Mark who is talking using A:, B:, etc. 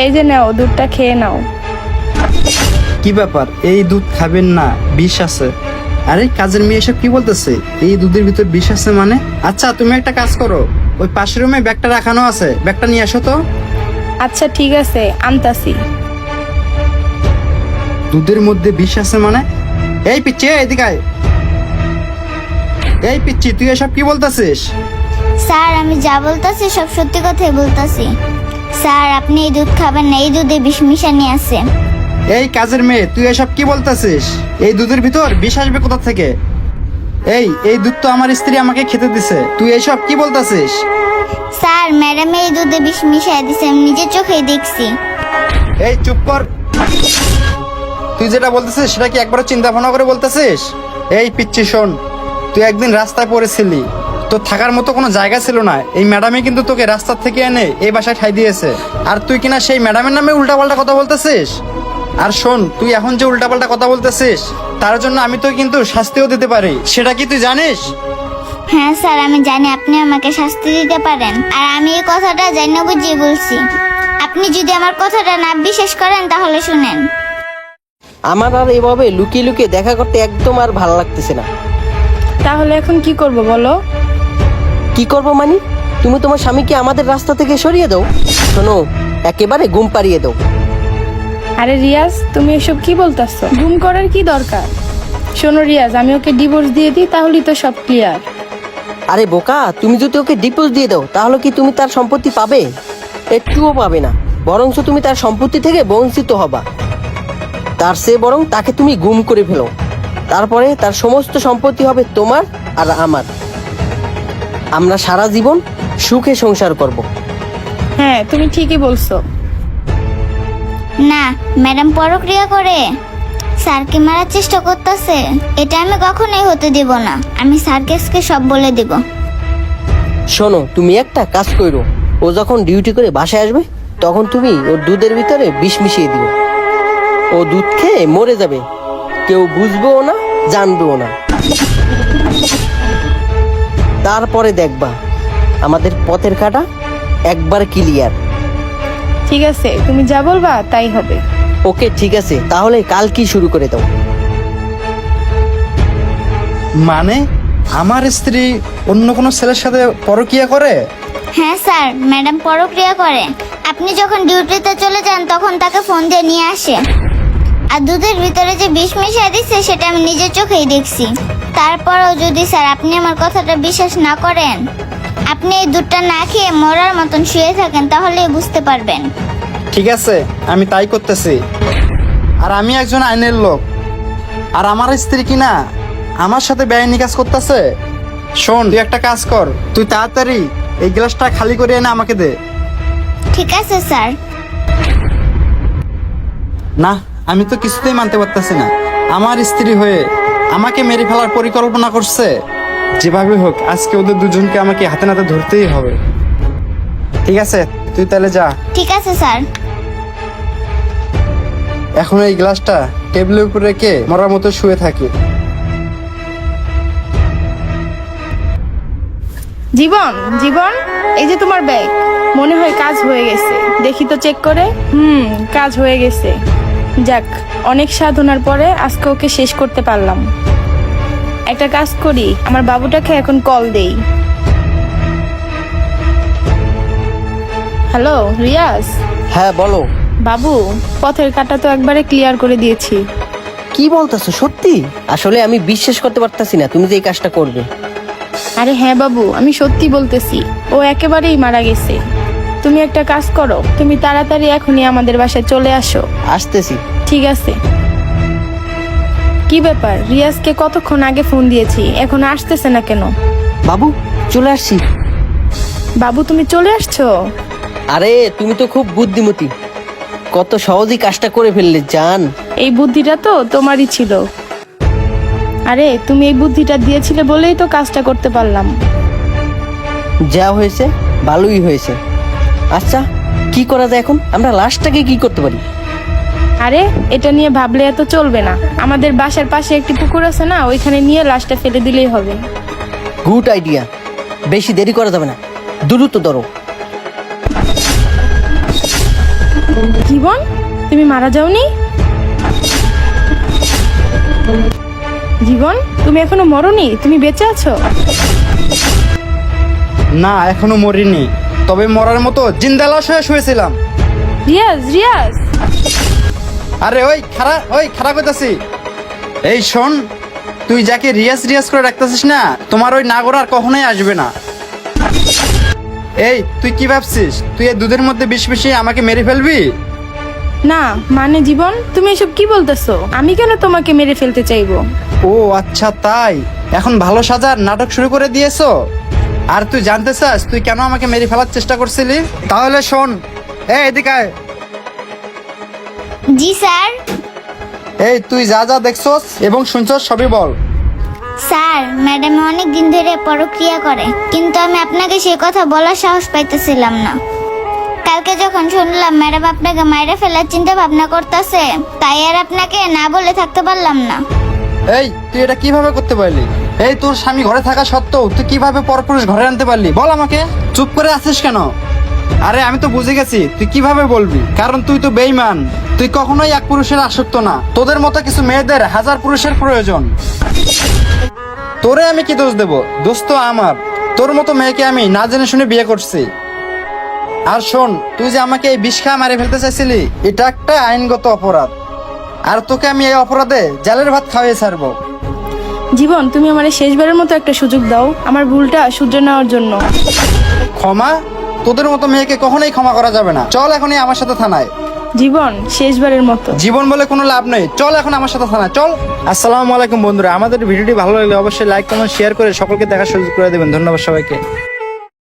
A: এই যে নাও, দুধটা খেয়ে নাও।
B: কি ব্যাপার, এই দুধ খাবেন না, বিষ আছে। আরে কাজের মেয়ে এসব কি বলতেছে? এই দুধের ভিতর বিষ আছে মানে? আচ্ছা তুমি একটা কাজ করো, ওই পাশের রুমে ব্যাগটা রাখানো আছে, ব্যাগটা নিয়ে আসো তো।
A: আচ্ছা ঠিক আছে, আনতাছি।
B: দুধের মধ্যে বিষ আছে মানে? এই পিচ্ছি, এদিকে আয়। এই পিচ্ছি, তুই এসব কি বলতেছিস?
C: স্যার আমি যা বলতাছি সব সত্যি কথাই বলতাছি। স্যার আপনি এই দুধ খাবেন না, এই দুধে বিষ মিশানি আছে।
B: এই কাজের মেয়ে, তুই এসব কি বলতেছিস? এই দুধের ভিতর বিষ আসবে কোথা থেকে? এই দুধ তো আমার স্ত্রী আমাকে খেতে দিছে, তুই এসব কি বলতেছিস?
C: স্যার ম্যাডাম এই দুধে বিষ মিশাই দিছে, আমি নিজের চোখেই দেখছি।
B: এই চুপ কর। তুই যেটা বলতেছিস সেটা কি একবার চিন্তা ভাবনা করে বলতেছিস? এই পিচ্ছি শোন, তুই একদিন রাস্তায় পড়েছিলি, তোর থাকার মতো কোনো জায়গা ছিল না। এই ম্যাডামই কিন্তু তোকে রাস্তার থেকে এনে এই বাসায় ঠাই দিয়েছে, আর তুই কিনা সেই ম্যাডামের নামে উল্টাপাল্টা কথা বলতেছিস। আর শোন, তুই এখন যে উল্টাপাল্টা কথা বলতেছিস তার জন্য আমি তো কিন্তু শাস্তিও দিতে পারি, সেটা কি তুই জানিস?
C: হ্যাঁ স্যার আমি জানি আপনি আমাকে শাস্তি দিতে পারেন, আর আমি এই কথাটা জানি না বুঝিয়ে বলছি। আপনি যদি আমার কথাটা না বিশ্বাস করেন তাহলে শুনেন।
D: আমার আর এভাবে লুকিয়ে লুকিয়ে দেখা করতে একদম আর ভালো লাগতেছে না।
A: তাহলে এখন কি করব বলো?
D: কি করব মানে? তুমি তোমার স্বামীকে আমাদের রাস্তা থেকে সরিয়ে দাও। শোনো, একেবারে ঘুম পাড়িয়ে দাও।
A: আরে রিয়াজ, তুমি এসব কি বলতাছো? গুম করার কি দরকার? শোনো রিয়াজ, আমি ওকে ডিভোর্স দিয়ে দিই, তাহলেই তো সব ক্লিয়ার।
D: আরে বোকা, তুমি যদি ওকে ডিভোর্স দিয়ে দাও তাহলে কি তুমি তার সম্পত্তি পাবে? একটুও পাবে না, বরঞ্চ তুমি তার সম্পত্তি থেকে বঞ্চিত হবা। তার চেয়ে বরং তাকে তুমি গুম করে ফেলো, তারপরে তার সমস্ত সম্পত্তি হবে তোমার আর আমার। আমরা সারা জীবন সুখে সংসার করব।
A: হ্যাঁ তুমি ঠিকই বলছো।
C: না, ম্যাডাম পরক্রিয়া করে স্যারকে মারার চেষ্টা করতেছে, এটা আমি কখনোই হতে দেব না। আমি স্যারকে সব বলে দেব।
D: শোনো, তুমি একটা কাজ করো, ও যখন ডিউটি করে বাসায় আসবে তখন তুমি ওর দুধের ভিতরে বিষ মিশিয়ে দিও। ও দুধ খেয়ে মরে যাবে, কেউ বুঝবেও না, জানবেও না। তারপরে দেখবা আমাদের পথের কাটা একবার ক্লিয়ার।
A: ঠিক আছে, তুমি যা বলবা তাই হবে।
D: ওকে ঠিক আছে, তাহলে কাল কি শুরু করে দাও।
B: মানে আমার স্ত্রী অন্য কোনো ছেলের সাথে পরকীয়া করে?
C: হ্যাঁ স্যার, ম্যাডাম পরক্রিয়া করে। আপনি যখন ডিউটিতে চলে যান তখন তাকে ফোন দিয়ে নিয়ে আসে, আর দুধের ভিতরে যে বিষ মিশিয়ে দিচ্ছে সেটা আমি নিজের চোখেই দেখছি। তারপরেও যদি স্যার আপনি আমার কথাটা বিশ্বাস না করেন, আপনি এই দুধটা না খেয়ে মরার মতন শুয়ে থাকেন, তাহলেই বুঝতে পারবেন।
B: ঠিক আছে, আমি তাই করতেছি। আর আমি একজন আইনের লোক, আর আমার স্ত্রী কিনা আমার সাথে বেআইনি কাজ করতেছে। শোন, তুই একটা কাজ কর, তুই তাড়াতাড়ি এই গ্লাসটা খালি করে এনে আমাকে দে।
C: ঠিক আছে স্যার।
B: না, আমি তো কিছুতেই মানতে পারতেছি না। আমার স্ত্রী হয়ে আমাকে মেরে ফেলার পরিকল্পনা করছে। যেভাবে হোক আজকে ওদের দুজনকে আমাকে হাতে নাতে ধরতেই হবে। ঠিক আছে, তুই তাহলে যা।
C: ঠিক আছে স্যার।
B: এখন এই গ্লাসটা টেবিলের উপর রেখে মরার মতো শুয়ে থাকি।
A: জীবন, জীবন, এই যে তোমার ব্যাগ। মনে হয় কাজ হয়ে গেছে, দেখি তো চেক করে। কাজ হয়ে গেছে। যাক, অনেক সাধনার পরে আজকে ওকে শেষ করতে পারলাম। একটা কাজ করি, আমার বাবুটাকে এখন কল দেই। হ্যালো রিয়াজ।
D: হ্যাঁ বলো।
A: বাবু, পথের কাটা তো একবারে ক্লিয়ার করে দিয়েছি।
D: কি বলতেছো সত্যি? আসলে আমি বিশ্বাস করতে পারতাছি না তুমি যে এই কাজটা করবে।
A: আরে হ্যাঁ বাবু, আমি সত্যি বলতেছি, ও একেবারেই মারা গেছে। তুমি একটা কাজ করো, তুমি তাড়াতাড়ি এখনই আমাদের বাসায় চলে আসো।
D: আসতেছি।
A: ঠিক আছে। কি ব্যাপার, রিয়াজকে কতক্ষণ আগে ফোন দিয়েছি, এখন আসতেছে না কেন?
D: বাবু চলে আসছি।
A: বাবু তুমি চলে আসছো?
D: আরে তুমি তো খুব বুদ্ধিমতী, কত সহজেই কাজটা করে ফেললে জান।
A: এই বুদ্ধিটা তো তোমারই ছিল। আরে তুমি এই বুদ্ধিটা দিয়েছিলে বলেই তো কাজটা করতে পারলাম।
D: যা হয়েছে ভালোই হয়েছে। আচ্ছা কি করা যায় এখন? আমরা লাশটাকে কি করতে পারি?
A: আরে এটা নিয়ে ভাবলে এত চলবে না। আমাদের বাসার পাশে একটি পুকুর আছে না, ওইখানে নিয়ে লাশটা ফেলে দিলেই হবে।
D: গুড আইডিয়া, বেশি দেরি করা যাবে না, দ্রুত ধরো।
A: জীবন, তুমি মারা যাওনি? জীবন, তুমি এখনো মরনি, তুমি বেঁচে আছো?
B: না, এখনো মরিনি, তবে মরার মতো জিন্দা লাশ হয়ে শুয়েছিলাম।
A: রিয়াজ, রিয়াজ।
B: আরে ওই খারাপ হইতাছি। এই শোন, তুই যাকে রিয়াজ রিয়াজ করে রাখতেছিস না, তোমার ওই নাগর আর কখনোই আসবে না। এই তুই কি ভাবছিস তুই এই দুধের মধ্যে বিষ মিশিয়ে আমাকে মেরে ফেলবি?
A: না মানে জীবন, তুমি এসব কি বলতেছো? আমি কেন তোমাকে মেরে ফেলতে চাইবো?
B: ও আচ্ছা, তাই এখন ভালো সাজার নাটক শুরু করে দিয়েছো। আর তুই জানতে চাস তুই কেন আমাকে মেরে ফেলার চেষ্টা করছিলি? তাহলে শোন, এই এদিকে আয়।
C: জি স্যার।
B: এই তুই যা যা দেখছস এবং শুনছস সবই বল।
C: স্যার, ম্যাডাম অনেক দিন ধরে পরক্রিয়া করে, কিন্তু আমি আপনাকে সে কথা বলার সাহস পাইতেছিলাম না। কালকে যখন শুনলাম ম্যাডাম আপনাকে মাইরে ফেলার চিন্তা ভাবনা করতেছে, তাই আর আপনাকে না বলে থাকতে পারলাম না।
B: এই তুই এটা কিভাবে করতে পারলি? এই তোর স্বামী ঘরে থাকা সত্ত্বেও তুই কিভাবে পরপুরুষ ঘরে আনতে পারলি? বল আমাকে। চুপ করে আছিস কেন? আরে আমি তো বুঝে গেছি তুই কিভাবে বলবি, কারণ তুই তো বেঈমান। তুই কখনোই এক পুরুষের আসক্ত না, তোদের মতো কিছু মেয়েদের হাজার পুরুষের প্রয়োজন। তোরে আমি কি দোষ দেব? দোষ তো আমার। তোর মতো মেয়েকে আমি না জেনে শুনে বিয়ে করছি। আর শোন, তুই যে আমাকে এই বিষ খা মারে ফেলতে চাইছিলি, এটা একটা আইনগত অপরাধ। আর তোকে আমি এই অপরাধে জেলের ভাত খাওয়াই ছাড়বো।
A: জীবন, তুমি আমার শেষবারের মতো একটা সুযোগ দাও আমার ভুলটা শুধরে নেওয়ার জন্য।
B: ক্ষমা? তোদের মতো মেয়েকে কখনোই ক্ষমা করা যাবে না। চল এখনই আমার সাথে থানায়।
A: জীবন, শেষবারের মতো।
B: জীবন বলে কোনো লাভ নেই, চল এখন আমার সাথে থানায় চল। আসসালামু আলাইকুম বন্ধুরা, আমাদের ভিডিওটি ভালো লাগলে অবশ্যই লাইক কমেন্ট শেয়ার করে সকলকে দেখার সুযোগ করে দেবেন। ধন্যবাদ সবাইকে।